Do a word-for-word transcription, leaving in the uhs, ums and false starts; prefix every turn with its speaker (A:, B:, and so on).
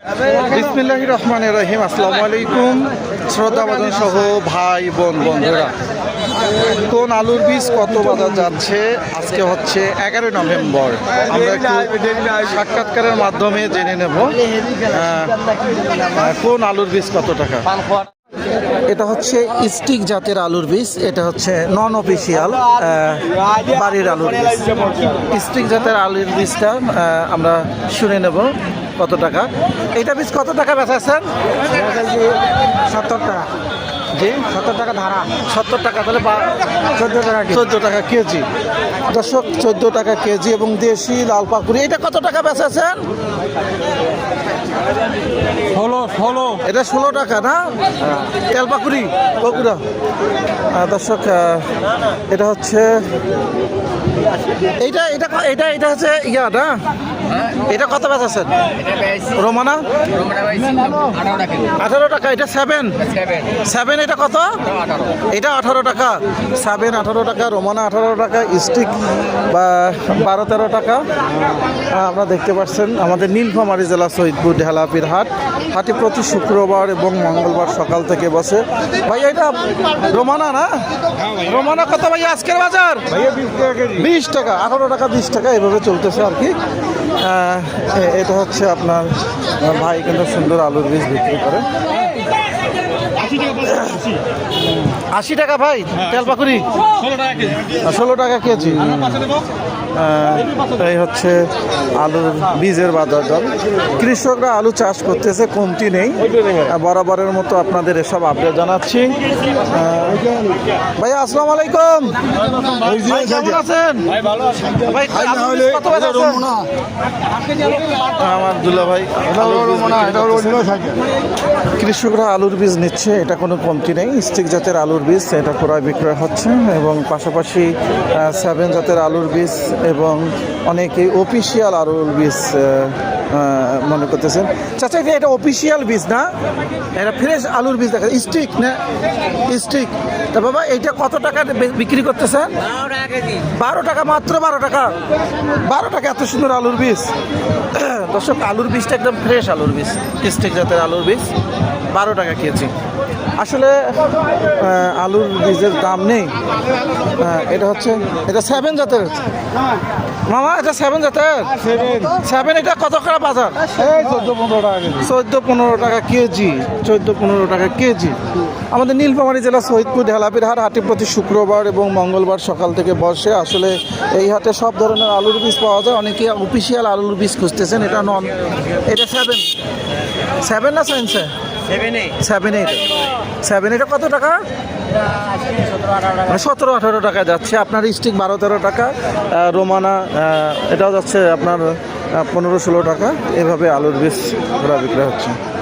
A: বিসমিল্লাহির রহমানির রহিম। আসসালামু আলাইকুম শ্রদ্ধাভাজন সহ ভাই বোন বন্ধুরা, কোন আলুর বীজ কত বাজার যাচ্ছে আজকে হচ্ছে এগারোই নভেম্বর। আমরা একটু সাক্ষাৎকারের মাধ্যমে জেনে নেব কোন আলুর বীজ কত টাকা। এটা হচ্ছে স্টিক জাতের আলুর বীজ, এটা হচ্ছে নন অফিসিয়াল বাড়ির আলুর বীজ। স্টিক জাতের আলুর বীজটা আমরা শুনে নেব কত টাকা। এটা বীজ কত টাকা বেচাচ্ছেন?
B: সত্তর টাকা।
A: জি,
B: সত্তর টাকা ধারা।
A: সত্তর টাকা, তাহলে
B: চোদ্দো টাকা
A: চোদ্দো টাকা কেজি। দর্শক, চোদ্দো টাকা কেজি। এবং দেশি লাল পাকুড়ি এটা কত টাকা বেচাচ্ছেন?
B: ষোলো ষোলো
A: এটা ষোলো টাকা না? তেল পাকুড়ি বগুড়া। দর্শক, এটা হচ্ছে এইটা এটা এটা এটা হচ্ছে ইয়া না, এটা কত বেচাচ্ছেন? রোমানা আঠারো টাকা। এটা সেভেন সেভেন এটা কত? এটা আঠারো টাকা। সেভেন আঠারো টাকা, রোমানা আঠারো টাকা, স্টিক বা বারো তেরো টাকা। আপনারা দেখতে পাচ্ছেন আমাদের নীলফামারী জেলা সৈয়দপুর ঢেলাপির হাট। হাটে প্রতি শুক্রবার এবং মঙ্গলবার সকাল থেকে বসে। ভাই এটা রোমানা না? রোমানা কত ভাই আজকের বাজার? বিশ টাকা, আঠারো টাকা, বিশ টাকা এভাবে চলতেছে আর কি। এটা হচ্ছে আপনার ভাই কিন্তু সুন্দর আলুর বীজ বিক্রি করে। আশি টাকা ভাই তেল পাকুড়ি, ষোলো টাকা কেজি। এই হচ্ছে আলুর বীজের বাজার দর। কৃষকরা আলু চাষ করতেছে, কমতি নেই। বরাবরের মতো আপনাদের এসব আপডেট জানাচ্ছি। ভাই আসসালামু আলাইকুম, কেমন আছেন? ভাই কত বেচাচ্ছেন? আমার দুলা ভাই কৃষকরা আলুর বীজ নিচ্ছে, এটা কোনো কমতি নেই। স্টিক জাতের আলুর বীজ এটা ক্রয় বিক্রয় হচ্ছে, এবং পাশাপাশি সেভেন জাতের আলুর বীজ এবং অনেকে অফিসিয়াল আলুর বীজ মনে করতেছেন। চাচা এটা অফিসিয়াল বীজ না, এটা ফ্রেশ আলুর বীজ দেখা স্টিক না? স্টিক। তা বাবা এইটা কত টাকা বিক্রি করতেছেন? বারো টাকা মাত্র। বারো টাকা বারো টাকা এত সুন্দর আলুর বীজ। দর্শক, আলুর বীজটা একদম ফ্রেশ আলুর বীজ, স্টিক জাতের আলুর বীজ, বারো টাকা কেজি। আসলে আলুর বীজের দাম নেই। এটা হচ্ছে এটা সেভেন জাতের মামা, এটা সেভেন জাতের সেভেন। এটা কত টাকা বাজার?
B: চোদ্দো পনেরো টাকা কেজি।
A: চোদ্দো পনেরো টাকা কেজি। চোদ্দো পনেরো টাকা কেজি। আমাদের নীলফামারী জেলা সৈয়দপুর ঢেলাপির হাট। হাটে প্রতি শুক্রবার এবং মঙ্গলবার সকাল থেকে বসে। আসলে এই হাটে সব ধরনের আলুর বীজ পাওয়া যায়। অনেকে অফিসিয়াল আলুর বীজ খুঁজতেছেন। এটা নন, এটা সেভেন সেভেন না সাইন্সে সেভেন এইট সেভেন এটা কত টাকা? সতেরো আঠারো টাকা যাচ্ছে। আপনার স্টিক বারো তেরো টাকা, রোমানা এটাও যাচ্ছে আপনার পনেরো ষোলো টাকা। এভাবে আলুর বীজ ঘোরা বিক্রয় হচ্ছে।